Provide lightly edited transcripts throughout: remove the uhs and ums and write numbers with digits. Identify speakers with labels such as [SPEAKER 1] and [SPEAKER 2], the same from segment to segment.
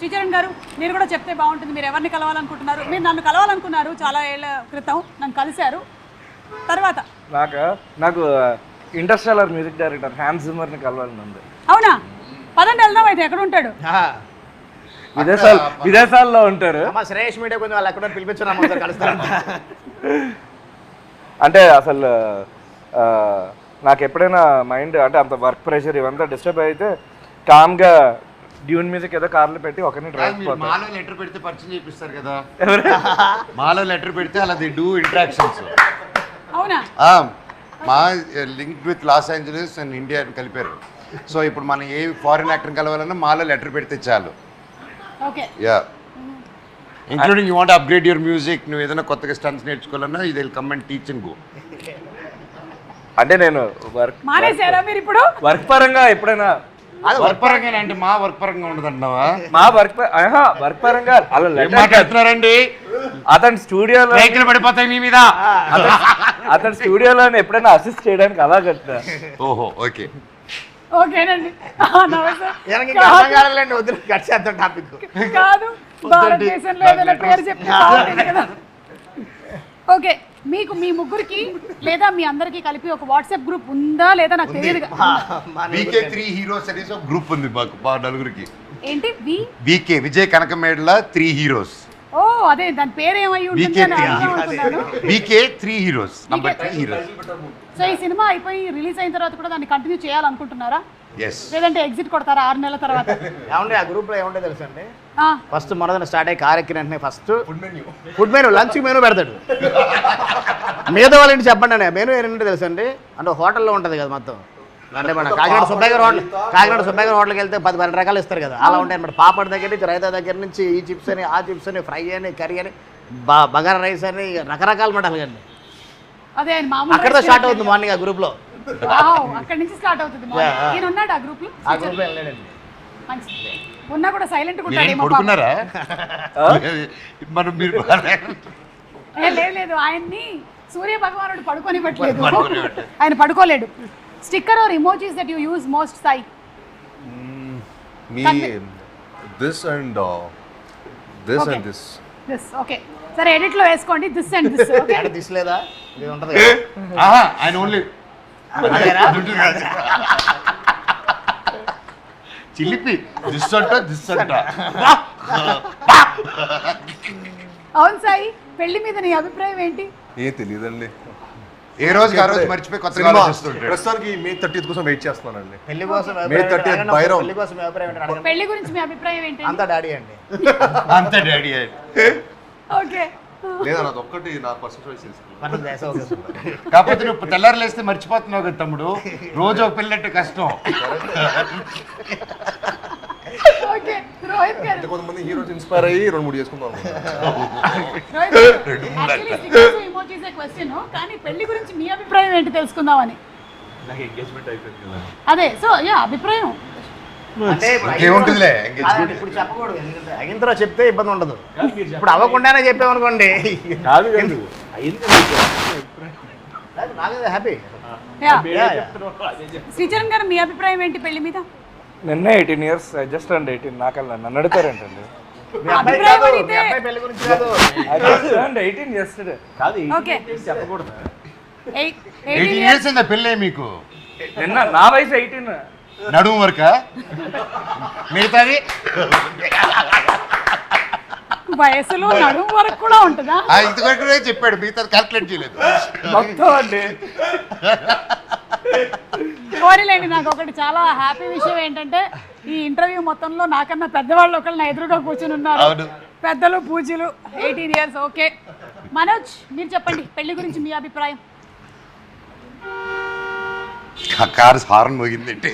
[SPEAKER 1] శ్రీచరణ్ గారు మీరు కూడా చెప్తే బాగుంటుంది. మీరు ఎవరిని కలవాలనుకుంటున్నారు? మీరు నన్ను కలవాలనుకున్నారు చాలా ఏళ్ళ క్రితం, నన్ను కలిశారు. తర్వాత
[SPEAKER 2] నాకు ఇంటర్స్టెల్లర్ మ్యూజిక్ డైరెక్టర్ హ్యాన్స్ జిమ్మర్ని కలవాలని ఉంది.
[SPEAKER 1] అవునా? పదండి వెళ్దాం. అయితే ఎక్కడ ఉంటాడు?
[SPEAKER 2] విదేశాల్లో ఉంటారు.
[SPEAKER 3] శ్రేయస్ మీడియా కొంచెం వాళ్ళు ఎక్కడ పిలిపించారు కలుస్తారు.
[SPEAKER 2] అంటే అసలు నాకు ఎప్పుడైనా మైండ్ అంటే అంత వర్క్ ప్రెషర్ ఇవంతా డిస్టర్బ్ అయితే కామ్గా డ్యూన్ మ్యూజిక్ ఏదో కార్లో పెట్టి ఒకరిని డ్రైవ్
[SPEAKER 4] మాలో లెటర్ పెడితే పరిచయం చేపిస్తారు కదా. మాలో లెటర్ పెడితే అలా ది డూ ఇంటరాక్షన్స్.
[SPEAKER 1] అవునా?
[SPEAKER 4] మా link with Los Angeles and India అని కలిపారు. సో ఇప్పుడు మనం ఏ ఫారిన్ యాక్టర్ కలవాలన్నా మాలో లెటర్ పెడితే చాలు.
[SPEAKER 1] Okay.
[SPEAKER 4] Yeah, including you want upgrade your music, నువ్వు ఏదైనా కొత్తగా స్టన్స్ నేర్చుకోవాలన్నా ఇది will come and teach and go.
[SPEAKER 2] అంటే నేను
[SPEAKER 1] మానేశారా మీరు ఇప్పుడు?
[SPEAKER 2] వర్క్ పరంగా ఎప్పుడైనా
[SPEAKER 4] అది వర్క్ పరంగా అంటే మా వర్క్ పరంగా ఉండదు అంటున్నావా?
[SPEAKER 2] మా వర్క్ పరంగా అలా
[SPEAKER 4] మాట్లాడుతున్నారండి.
[SPEAKER 2] అతని స్టూడియోలో
[SPEAKER 4] రైతులు పడిపోతాయి మీ మీద.
[SPEAKER 2] అతని స్టూడియోలో ఎప్పుడైనా అసిస్ట్ చేయడానికి అలా కట్టా.
[SPEAKER 4] ఓహో, ఓకే
[SPEAKER 1] ఓకేనండి. కాదు, భారతదేశంలో ఏదైనా పేరు చెప్తే బాగుంటుంది కదా. ఓకే, మీకు మీ ముగ్గురికి లేదా మీ అందరికి కలిపి ఒక వాట్సాప్ గ్రూప్ ఉందా లేదా నాకు తెలియదు.
[SPEAKER 4] VK3 హీరోస్ అనేసి ఒక గ్రూప్ ఉంది మాకు, మా నలుగురికి.
[SPEAKER 1] ఏంటి?
[SPEAKER 4] VK Vijay Kanakamedala 3 heroes.
[SPEAKER 1] ఓ అదే, దాని పేరు ఏమై ఉంటుంది అని అనుకుంటున్నాను.
[SPEAKER 4] VK3 heroes, number 3 heroes.
[SPEAKER 1] So ఈ సినిమా అయిపోయి రిలీజ్ అయిన తర్వాత కూడా దాన్ని కంటిన్యూ చేయాలనుకుంటున్నారా?
[SPEAKER 4] yes,
[SPEAKER 1] లేదంటే ఎగ్జిట్ కొడతారా 6 నెలల తర్వాత?
[SPEAKER 3] ఏమండి ఆ గ్రూప్ లో ఏముంటే తెలుసు అండి, ఫస్ట్ మొదట స్టార్ట్ అయ్యి కార్ ఎక్కిన వెంటనే first food menu lunch menu పెడతాడు. మీద వాళ్ళ ఇంటి చెప్పండి అండి మెనూ ఏంటంటే తెలుసు అండి, అంటే హోటల్లో ఉంటుంది కదా మొత్తం. అంటే మన కాకినాడ సుబ్బయ్య గారు హోటల్కి వెళ్తే 10-12 రకాలు ఇస్తారు కదా, అలా ఉంటాయి అన్నమాట. పాపడ్ దగ్గర నుంచి, రైతా దగ్గర నుంచి, ఈ చిప్స్ అని, ఆ చిప్స్ అని, ఫ్రై అని, కర్రీ అని, బగారా రైస్ అని, రకరకాలు మాట అలాగండి.
[SPEAKER 1] అదే మామూలు
[SPEAKER 3] అక్కడితో స్టార్ట్ అవుతుంది మార్నింగ్ ఆ గ్రూప్ లో.
[SPEAKER 1] అక్కడి నుంచి స్టార్ట్ అవుతుంది. ఈయన ఉన్నాడు ఆ గ్రూప్ లో?
[SPEAKER 3] ఆ గ్రూప్ లో వెళ్ళాడండి.
[SPEAKER 1] మంచిది. ఉన్నా కూడా సైలెంట్ గా ఉంటాడు. లేదు, ఆయన్ని సూర్య భగవానుడు పడుకోనివ్వట్లేదు, ఆయన పడుకోలేడు. Sticker or emojis that you use most, Sai?
[SPEAKER 5] Me, this and this.
[SPEAKER 1] This okay, సరే ఎడిట్ లో వేసుకోండి. This and this. ఓకే,
[SPEAKER 3] అంటే దిస్ లేదా ఇది ఉంటది
[SPEAKER 4] ఆయన ఓన్లీ చిలిపి దిస్ అంట.
[SPEAKER 1] అవును సాయి, పెళ్లి మీద నీ అభిప్రాయం ఏంటి?
[SPEAKER 5] తెలియదండి.
[SPEAKER 4] ఏ రోజు ఆ రోజు మర్చిపోయి కొత్తగా ఆలోచిస్తుంటాడు.
[SPEAKER 5] ప్రస్తుతానికి May 30th కోసం వెయిట్ చేస్తున్నానండి.
[SPEAKER 3] పెళ్లి కోసం
[SPEAKER 5] May 30th బైరం.
[SPEAKER 3] పెళ్లి కోసం మీ అభిప్రాయం ఏంటి అడగండి.
[SPEAKER 1] పెళ్లి గురించి మీ అభిప్రాయం ఏంటి?
[SPEAKER 3] అంతా డాడీ అండి.
[SPEAKER 4] అంతే డాడీ.
[SPEAKER 1] ఓకే,
[SPEAKER 5] లేదా నాది ఒక్కటి నా పర్సనల్ చాయిస్ తీసుకున్నాను.
[SPEAKER 4] కాకపోతే నువ్వు తెల్లారు లేస్తే మర్చిపోతున్నావు కదా తమ్ముడు, రోజు ఒక పెళ్ళంటే కష్టం.
[SPEAKER 1] ఓకే. రోహిత్ గారు,
[SPEAKER 5] కొంతమంది హీరోస్ ఇన్స్పైర్ అయ్యి 2-3 చేసుకుందాం.
[SPEAKER 1] ఇమోజీస్ క్వశ్చన్, కానీ పెళ్లి గురించి మీ అభిప్రాయం ఏంటి తెలుసుకుందామని.
[SPEAKER 5] నాకు ఎంగేజ్మెంట్ అయిపోయింది కదా.
[SPEAKER 1] అదే, సో యా అభిప్రాయం
[SPEAKER 3] అంటే
[SPEAKER 4] ఏముంటుందిలే
[SPEAKER 3] ఇప్పుడు చెప్పకూడదు, ఎందుకంటే అయిన తర్వాత చెప్తే ఇబ్బంది ఉండదు. ఇప్పుడు అవ్వకుండానే చెప్పామనుకోండి నాకేదో హ్యాపీ.
[SPEAKER 1] శ్రీచరణ్ గారు, మీ అభిప్రాయం ఏంటి పెళ్లి మీద?
[SPEAKER 2] నిన్న 18 years, జస్ట్ అండ్ 18. నాకల్లా నన్ను అడుగుతారేంటండి?
[SPEAKER 1] అభిప్రాయం అడిగితే
[SPEAKER 3] పెళ్లి గురించి కాదు,
[SPEAKER 2] 18 yesterday.
[SPEAKER 1] ఓకే,
[SPEAKER 5] చెప్పకూడదు.
[SPEAKER 4] 18 years అయిందా పెళ్ళే మీకు?
[SPEAKER 2] నిన్న నా వయసు 18.
[SPEAKER 4] నడుము వరక మిగతాది
[SPEAKER 1] వయసులో నడుము వరకు కూడా ఉంటుందా?
[SPEAKER 4] ఇంతవరకు చెప్పాడు, మిగతాది క్యాల్కులేట్ చేయలేదు
[SPEAKER 2] మొత్తం అండి.
[SPEAKER 1] కోరిలేండి. నాకు ఒకటి చాలా హ్యాపీ విషయం ఏంటంటే, ఈ ఇంటర్వ్యూ మొత్తంలో నాకన్నా పెద్దవాళ్ళు ఒకళ్ళు నా ఎదురుగా కూర్చుని ఉన్నారు. పెద్దలు పూజలు. 18 years. ఓకే, మనోజ్ మీరు చెప్పండి పెళ్లి గురించి మీ అభిప్రాయం.
[SPEAKER 4] కారు హార్న్ మోగిందంటే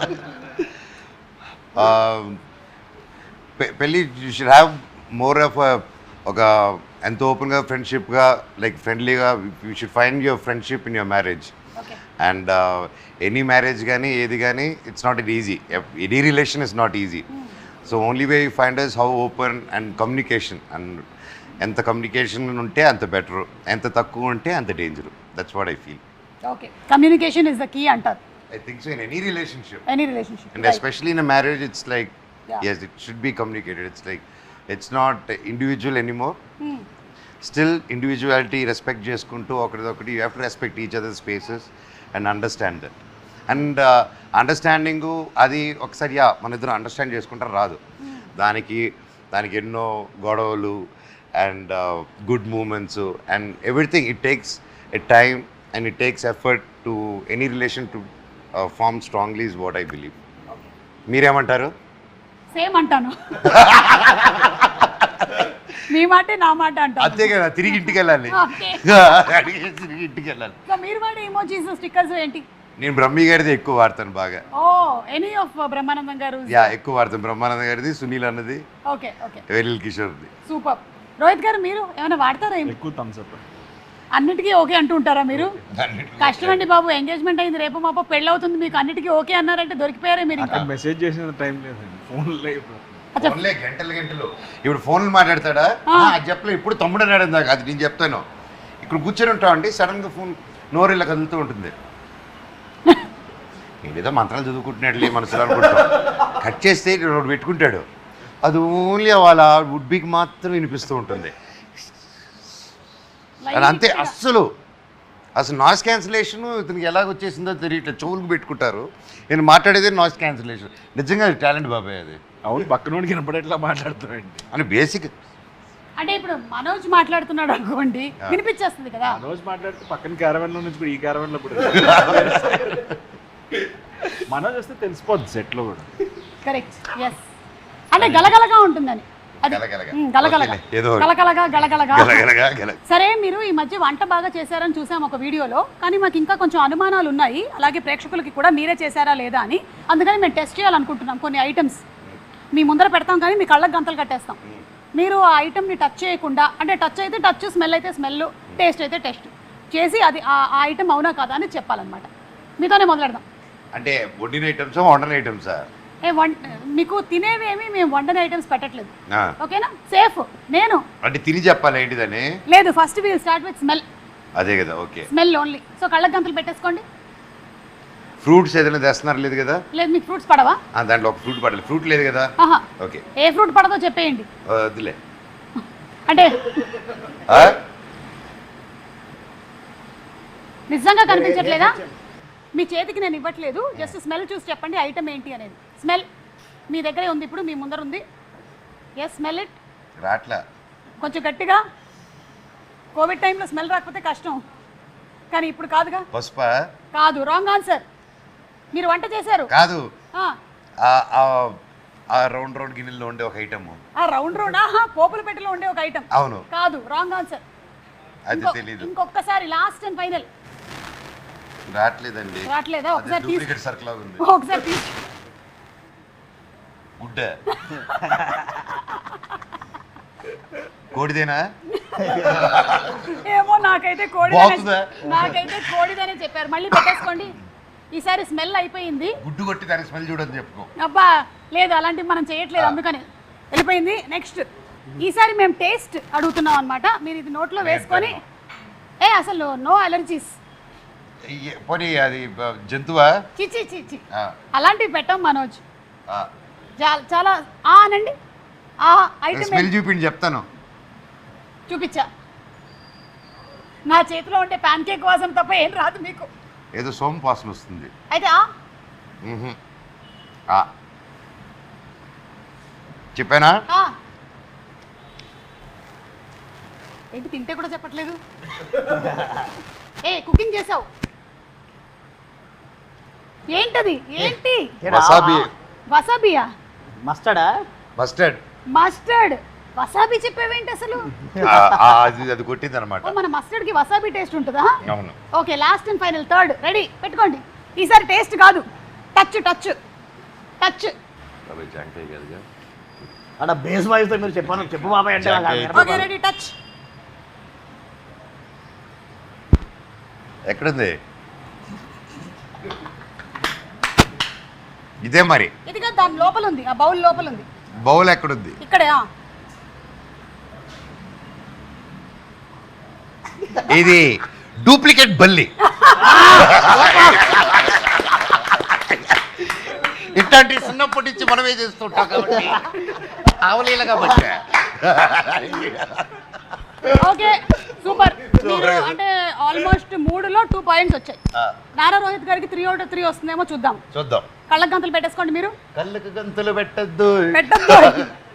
[SPEAKER 4] పెళ్ళి you should have more of ఒక ఎంతో ఓపెన్గా ఫ్రెండ్షిప్గా, లైక్ ఫ్రెండ్లీగా. You should find your friendship in your marriage. And any marriage కానీ ఏది కానీ it's not it easy. Any relation is not easy. So only way you find is how open and communication. అండ్ ఎంత communication ఉంటే అంత better, ఎంత తక్కువ ఉంటే అంత danger. That's what I feel.
[SPEAKER 1] Okay, communication is the key అంటారు.
[SPEAKER 4] I think so in any relationship.
[SPEAKER 1] Any relationship.
[SPEAKER 4] And especially in a marriage, it's like
[SPEAKER 1] Yeah.
[SPEAKER 4] Yes, it should be communicated. It's like, it's not individual anymore. Still, individuality, respect చేసుకుంటూ ఒకరిదొకటి, you have to respect each other's spaces and understand that. And understanding అది ఒకసారి మన ఇద్దరు understand చేసుకుంటారు రాదు. దానికి ఎన్నో గొడవలు and good moments and everything. It takes a time and it takes effort to any relation to form strongly is what I believe. మీరేమంటారు?
[SPEAKER 1] సేమ్ అంటాను. మీ మాట నా మాట అంటాను.
[SPEAKER 4] అంతే కదా, తిరిగి ఇంటికి వెళ్ళాలి.
[SPEAKER 1] Okay.
[SPEAKER 4] తిరిగి ఇంటికి వెళ్ళాలి.
[SPEAKER 1] సో మీరు వాడే ఎమోజీస్ స్టిక్కర్స్ ఏంటి?
[SPEAKER 4] నేను బ్రహ్మి గారిది ఎక్కువ వాడతాను బాగా.
[SPEAKER 1] ఓ ఎనీ ఆఫ్ బ్రహ్మానందం గారు?
[SPEAKER 4] ఎక్కువ వాడతాను. బ్రహ్మానంద గారిది, సునీల్ అన్నది,
[SPEAKER 1] ఓకే ఓకే,
[SPEAKER 4] వెరిల్ కిషోర్ది.
[SPEAKER 1] సూపర్. రోహిత్ గారు మీరు ఏమైనా వాడతారా?
[SPEAKER 5] ఎక్కువ థమ్స్ అప్.
[SPEAKER 1] అన్నిటికీ ఓకే అంటూ ఉంటారా మీరు? కష్టం అండి బాబు, ఎంగేజ్మెంట్ అయింది, రేపు మాప పెళ్ళి అవుతుంది, మీకు అన్నిటికీ ఓకే అన్నారంటే దొరికిపోయారే మీరు. ఇంకా
[SPEAKER 5] మెసేజ్ చేసిన టైం లేదండి, ఫోన్లో
[SPEAKER 4] ఫోన్లే గంటలు. ఇప్పుడు ఫోన్లు మాట్లాడతాడా? అది చెప్పలే. ఇప్పుడు తమ్ముడు అన్నాడు ఇందాక, అది నేను చెప్తాను. ఇక్కడ కూర్చొని ఉంటామండి, సడన్గా ఫోన్ నోరు ఇలా కదులుతూ ఉంటుంది. ఏదో మంత్రాలు చదువుకుంటున్నాడు మనసులో అనుకుంటాం. కట్ చేస్తే రోడ్డు పెట్టుకుంటాడు. అది ఓన్లీ వాళ్ళ వుడ్ బీకి మాత్రం వినిపిస్తూ ఉంటుంది. అది అంతే. అసలు నాయిస్ క్యాన్సిలేషన్ ఇతనికి ఎలాగ వచ్చేసిందో తెలియట్లేదు. చెవులకు పెట్టుకుంటారు. నేను మాట్లాడేది నాయిస్ క్యాన్సిలేషన్. నిజంగా టాలెంట్ బాబాయ్ అది.
[SPEAKER 5] అవును, పక్కనోడికి వినపడేట్లా మాట్లాడుతామండి
[SPEAKER 4] అని బేసిక్.
[SPEAKER 1] అంటే ఇప్పుడు మనోజ్ మాట్లాడుతున్నాడు అనుకోండి, వినిపించేస్తుంది కదా.
[SPEAKER 5] రోజు మాట్లాడితే పక్కన క్యారవెన్లో నుంచి ఇప్పుడు ఈ క్యారవెన్లో ఇప్పుడు మనోజ్ వస్తే తెలిసిపోద్ది సెట్లో కూడా.
[SPEAKER 1] Correct, yes. అంటే గలగలగా ఉంటుందని. అది
[SPEAKER 4] గలగలగా.
[SPEAKER 1] గలగలగా,
[SPEAKER 4] ఏదో
[SPEAKER 1] గలగలగా గలగలగా.
[SPEAKER 4] గలగలగా.
[SPEAKER 1] సరే, మీరు ఈ మధ్య వంట బాగా చేశారని చూసాం ఒక వీడియోలో, కానీ మాకు ఇంకా కొంచెం అనుమానాలు ఉన్నాయి, అలాగే ప్రేక్షకులకి కూడా మీరే చేశారా లేదా అని. అందుకని మేము టెస్ట్ చేయాలనుకుంటున్నాం. కొన్ని ఐటమ్స్ మీ ముందర పెడతాం, కానీ మీ కళ్ళకు గంతలు కట్టేస్తాం. మీరు ఆ ఐటమ్ని టచ్ చేయకుండా, అంటే టచ్ అయితే టచ్, స్మెల్ అయితే స్మెల్, టేస్ట్ అయితే టేస్ట్ చేసి అది ఆ ఐటమ్ అవునా కాదా అని చెప్పాలన్నమాట. మీతోనే మొదలెడదాం.
[SPEAKER 4] అంటే వండిన ఐటమ్సా వండని ఐటమ్సా?
[SPEAKER 1] మీకు తినేవేమి మేము వండని ఐటమ్స్ పెట్టట్లేదు, ఓకేనా? సేఫ్. నేను
[SPEAKER 4] అంటే తిని చెప్పాలి ఏంటిదని
[SPEAKER 1] లేదు. First we'll start with smell.
[SPEAKER 4] అదే కదా, ఓకే.
[SPEAKER 1] Smell only. సో కళ్ళకు గంతలు పెట్టేసుకోండి.
[SPEAKER 4] ఫ్రూట్స్ ఏదైనా తెస్తున్నారు లేదు కదా?
[SPEAKER 1] లేదు, మీకు ఫ్రూట్స్ పడవా?
[SPEAKER 4] దాంట్లో ఒక ఫ్రూట్ పడలేదు. ఫ్రూట్ లేదు కదా?
[SPEAKER 1] ఆహా.
[SPEAKER 4] ఓకే.
[SPEAKER 1] ఏ ఫ్రూట్ పడదో చెప్పేయండి.
[SPEAKER 4] వద్దులే.
[SPEAKER 1] అంటే నిజంగా కనిపించట్లేదా? మీ చేతికి నేను ఇవ్వట్లేదు, జస్ట్ స్మెల్ చూసి చెప్పండి ఐటమ్ ఏంటి అనేది. స్మెల్ మీ దగ్గరే ఉంది, ఇప్పుడు మీ ముందర ఉంది. Yes, smell it.
[SPEAKER 4] రాట్లా.
[SPEAKER 1] కొంచెం గట్టిగా. కోవిడ్ టైంలో స్మెల్ రాకపోతే కష్టం, కానీ ఇప్పుడు కాదుగా.
[SPEAKER 4] పసుప
[SPEAKER 1] కాదు, రాంగ్ ఆన్సర్. మీరు వంట చేశారు
[SPEAKER 4] కాదు.
[SPEAKER 1] ఆ
[SPEAKER 4] రౌండ్ గిన్నెల్లో ఉండే ఒక ఐటమ్.
[SPEAKER 1] ఆ రౌండ్ పోపుల పెట్టెలో ఉండే ఒక ఐటమ్.
[SPEAKER 4] అవును.
[SPEAKER 1] కాదు, రాంగ్ ఆన్సర్.
[SPEAKER 4] అది తెలీదు.
[SPEAKER 1] ఇంకొకసారి, లాస్ట్ అండ్ ఫైనల్.
[SPEAKER 4] రాట్లేదండి.
[SPEAKER 1] రాట్లేదా? ఒకసారి
[SPEAKER 4] డూప్లికేట్ సర్కిల్ లాగా ఉంది.
[SPEAKER 1] ఒకసారి తీసి.
[SPEAKER 4] గుడ్డ. కోడిదేనా?
[SPEAKER 1] ఏమో, నాకైతే కోడిదనే చెప్పారు. మళ్ళీ పెట్టేసుకోండి. ఈసారి స్మెల్ అయిపోయింది.
[SPEAKER 4] గుడ్డు కొట్టి దానికి స్మెల్ చూడని చెప్పుకో.
[SPEAKER 1] అబ్బా లేదు, అలాంటివి మనం చేయట్లేదు, అందుకని వెళ్ళిపోయింది. నెక్స్ట్, ఈసారి మేము టేస్ట్ అడుగుతున్నాం అనమాట. మీరు ఇది నోట్లో వేసుకొని, అసలు నో అలర్జీస్.
[SPEAKER 4] పోనీ అది జంతువా?
[SPEAKER 1] చిచి చిచి, అలాంటివి పెట్టాం మనోజ్. చాలా అనండి. ఆ ఐటమ్
[SPEAKER 4] స్మెల్ చూపిండి చెప్తాను.
[SPEAKER 1] చూపించా. నా చేతిలో ఉంటే ప్యాన్ కేక్ వాసన తప్ప ఏం రాదు మీకు.
[SPEAKER 4] ఏదో సోమ్ వాసన వస్తుంది.
[SPEAKER 1] అయితే
[SPEAKER 4] చెప్పానా?
[SPEAKER 1] ఏంటి తింటే కూడా చెప్పట్లేదు? కుకింగ్ చేసావు ఏంటది? ఏంటి?
[SPEAKER 4] వసాబీ.
[SPEAKER 1] వసాబియా?
[SPEAKER 3] మస్టర్డా?
[SPEAKER 4] మస్టర్డ్.
[SPEAKER 1] మస్టర్డ్. వసాబీ చెప్పేవేంటి అసలు?
[SPEAKER 4] అది కొట్టింది అనమాట.
[SPEAKER 1] మన మస్టర్డ్ కి వసాబీ టేస్ట్ ఉంటుందా?
[SPEAKER 4] అవును.
[SPEAKER 1] Okay, last and final, third. Ready పెట్టుకోండి. ఈసారి టేస్ట్ కాదు, టచ్ టచ్ టచ్.
[SPEAKER 3] అక్కడ బేస్ వాయిస్ తో మీరు చెప్పు బాబాయ్ అంటే.
[SPEAKER 1] Okay, ready, touch.
[SPEAKER 4] ఎక్కడుంది? ఇదే మరి.
[SPEAKER 1] ఇదిగా దాని లోపల ఉంది, ఆ బౌల్ లోపల ఉంది.
[SPEAKER 4] బౌల్ ఎక్కడుంది?
[SPEAKER 1] ఇక్కడే.
[SPEAKER 4] ఇది డూప్లికేట్ బల్లి. ఇట్ట ఇట్లాంటి చిన్నప్పటి నుంచి మనమే చేస్తుంటాం కాబట్టి అవలీలగా పట్టా
[SPEAKER 1] ఓకే సూపర్. మీరు అంటే ఆల్మోస్ట్ 3లో 2 పాయింట్స్ వచ్చాయి. నారా రోహిత్ గారికి 3 out of 3 వస్తుందేమో చూద్దాం.
[SPEAKER 4] చూద్దాం.
[SPEAKER 1] కళ్ళకు గంతలు పెట్టేసుకోండి మీరు.
[SPEAKER 4] కళ్ళకు గంతులు పెట్టద్దు.
[SPEAKER 1] పెట్టద్దు.